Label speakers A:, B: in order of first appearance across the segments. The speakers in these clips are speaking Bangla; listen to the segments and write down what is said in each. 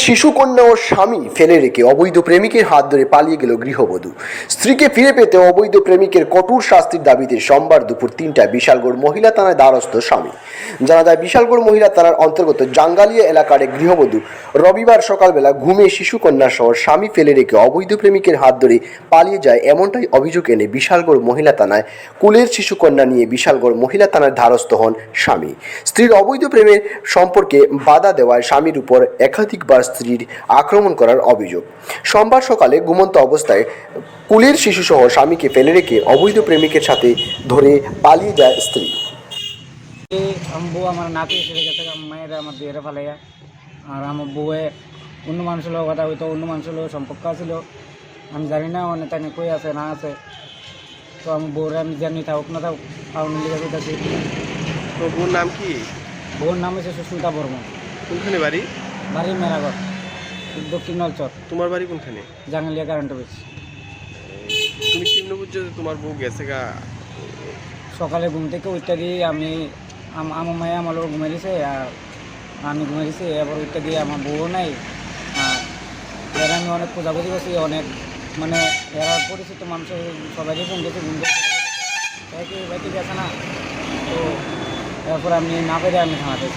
A: শিশুকন্যা ও স্বামী ফেলে রেখে অবৈধ প্রেমিকের হাত ধরে পালিয়ে গেল গৃহবধূ। স্ত্রীকে ফিরে পেতে অবৈধ প্রেমিকের কঠোর শাস্তির দাবিতে সোমবার দুপুর ৩টায় বিশালগড় মহিলা থানায় দ্বারস্থ স্বামী। জানা যায়, বিশালগড় মহিলা থানার অন্তর্গত জাঙ্গালিয়া এলাকার এক গৃহবধূ রবিবার সকালবেলা ঘুমে শিশুকন্যা সহ স্বামী ফেলে রেখে অবৈধ প্রেমিকের হাত ধরে পালিয়ে যায়, এমনটাই অভিযোগ এনে বিশালগড় মহিলা থানায় কুলের শিশুকন্যা নিয়ে বিশালগড় মহিলা থানার দ্বারস্থ হন স্বামী। স্ত্রীর অবৈধ প্রেমের সম্পর্কে বাধা দেওয়ায় স্বামীর উপর একাধিকবার স্ত্রীর আক্রমণ করার অভিযোগ। সোমবার সকালে ঘুমন্ত অবস্থায় কুলের শিশুসহ স্বামীকে ফেলে রেখে অবৈধ প্রেমিকের সাথে ধরে পালিয়ে যায় স্ত্রী।
B: বউ আমার নাতি এসে গেছে, মায়ের আমার বিয়ের ফালাইয়া। আর আমার বউয়ে অন্য মানুষের লোক কথা হইতো, অন্য মানুষের লোক সম্পর্ক ছিল। আমি জানি না অনেক তাই কই আছে না আছে। তো আমার বউরে আমি জানি থাকুক না থাকুক কারণের লিখে কইতাছি।
C: তো বউর নাম কি?
B: বউর নাম হচ্ছে সুস্মিতা বর্মন।
C: কোনখানে বাড়ি?
B: বাড়ি মেরাগড়, দক্ষিণ নলচর।
C: তোমার বাড়ি কোনখানে?
B: Jangalia current office.
C: তুমি কেমনে বুঝছো যে তোমার বউ গেছে গা?
B: সকালে ঘুম থেকে উঠতে দিয়ে আমি আমার মায়ে আমার লোক ঘুমিয়ে দিছে, আর আমি ঘুমিয়ে দিছি। এবার উঠতে দিয়ে আমার বউও নাই। আর এর আমি অনেক খোঁজাখুঁজি করছি, অনেক মানে এরা পরিচিত মানুষের সবাইকে ফোন দিয়েছে, ঘুম থেকে বাইকে গেছে না। তো এরপর আমি না পেরে আমি থামাতে।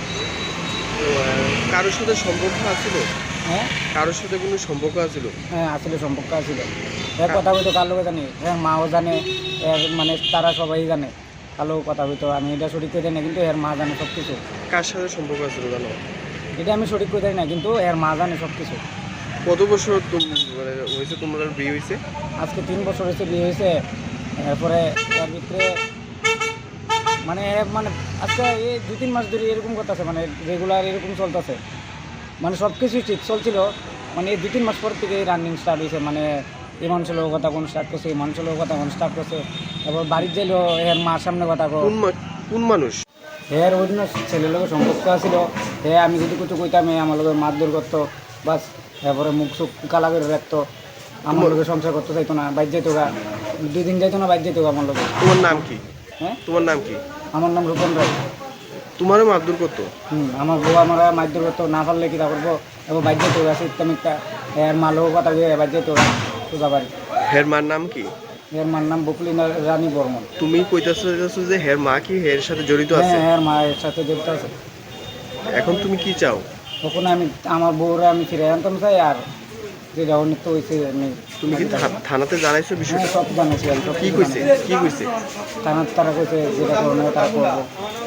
C: কারোর সাথে সম্পর্ক আছিল?
B: হ্যাঁ,
C: কারোর সাথে কোনো সম্পর্ক আছিল?
B: হ্যাঁ আসলে সম্পর্ক আছিল। এর কথা হইতো কার লোকে জানি, হ্যাঁ মাও জানে, এর মানে তারা সবাই জানে কালো কথা হইতো। আমি এটা সঠিক করে দেয় না, কিন্তু এর মা জানে সব কিছু।
C: কার সাথে সম্পর্ক আছিল জানো?
B: এটা আমি সঠিক করে দেয় না, কিন্তু এর মা জানে সব কিছু।
C: কত বছর মানে হয়েছে তোমার বিয়ে হয়েছে?
B: আজকে 3 বছর হয়েছে বিয়ে হয়েছে। এরপরে এর ভিতরে মানে আজকে এই 2-3 মাস ধরে এরকম করতেছে, মানে রেগুলার এরকম চলতেছে। মানে সব কিছুই ঠিক চলছিল, মানে এই 2-3 মাস পর থেকে রানিং স্টার্ট হয়েছে। মানে এই মানুষের লোক কথা কোন স্টার্ট করছে, এই মানুষের লোক কথা কোন স্টার্ট করছে। তারপর বাড়ির যাইলো এর মার সামনে কথা
C: কোন মানুষ?
B: এর অন্য ছেলের লোকের সম্পর্ক ছিল। আমি যদি কিছু কইতাম আমার লোকের মারধর করতো, বাস। এরপরে মুখ চুখ কালা করে রাখতো, আমার লোকের সংসার করতে চাইতো না, বাইর যেত গা। 2 দিন যাইতো না, বাইর যেত আমার লোকের।
C: তোমার নাম কি?
B: হ্যাঁ,
C: তোমার নাম কি?
B: আমার নাম রূপন রায়।
C: তোমারও মারধর করতো?
B: আমার বউ আমার মারধর করতো, না পারলে কি তা করবো। এবার বাইর যেত গা শীত মিথ্যা। এর মা লোক কথা দিয়ে বাইর যেত গা সোজা বাড়ি।
C: হের মার নাম কি?
B: এর মার নাম বকুলিনা রানী বর্মন।
C: তুমি কইতাছো যে হের মা কি হের সাথে জড়িত আছে?
B: হ্যাঁ, এর মায়ের সাথে জড়িত আছে।
C: এখন তুমি কি চাও?
B: তখন আমি আমার বউরে আমি ফিরে আনতাম চাই। আর যেটা অনিত্য হয়েছে আমি।
C: তুমি কি থানাতে জানাইছো বিষয়টা?
B: সব জানাইছি আমি।
C: কি কইছে? কি কইছে?
B: তারা কইছে যেটা করণীয় তারা করবো।